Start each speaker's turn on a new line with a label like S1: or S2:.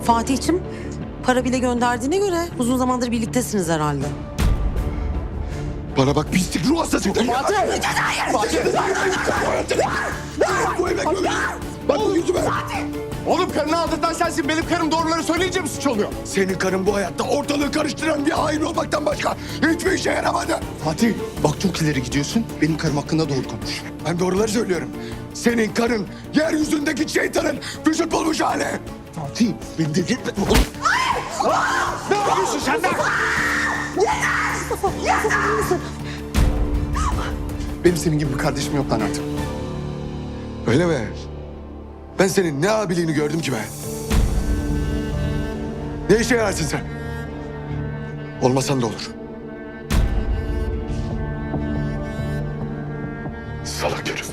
S1: Fatih'cim para bile gönderdiğine göre uzun zamandır birliktesiniz herhalde.
S2: Bana bak pislik ruh hastası. Fatih! Bak bu yüzüme.
S3: Oğlum karını aldırtan sensin. Benim karım doğruları söyleyince mi suç oluyor?
S2: Senin karın bu hayatta ortalığı karıştıran bir hain olmaktan başka hiçbir işe yaramadı.
S3: Fatih bak çok ileri gidiyorsun. Benim karım hakkında doğru konuş.
S2: Ben doğruları söylüyorum. Senin karın yeryüzündeki şeytanın vücut bulmuş hali.
S3: Fatih beni de gitme. Oğlum. Ne yapıyorsun sen de? Benim senin gibi bir kardeşim yok lan artık.
S2: Öyle mi? Ben senin ne abiliğini gördüm ki be. Ne işe yararsın sen? Olmasan da olur. Salak herif.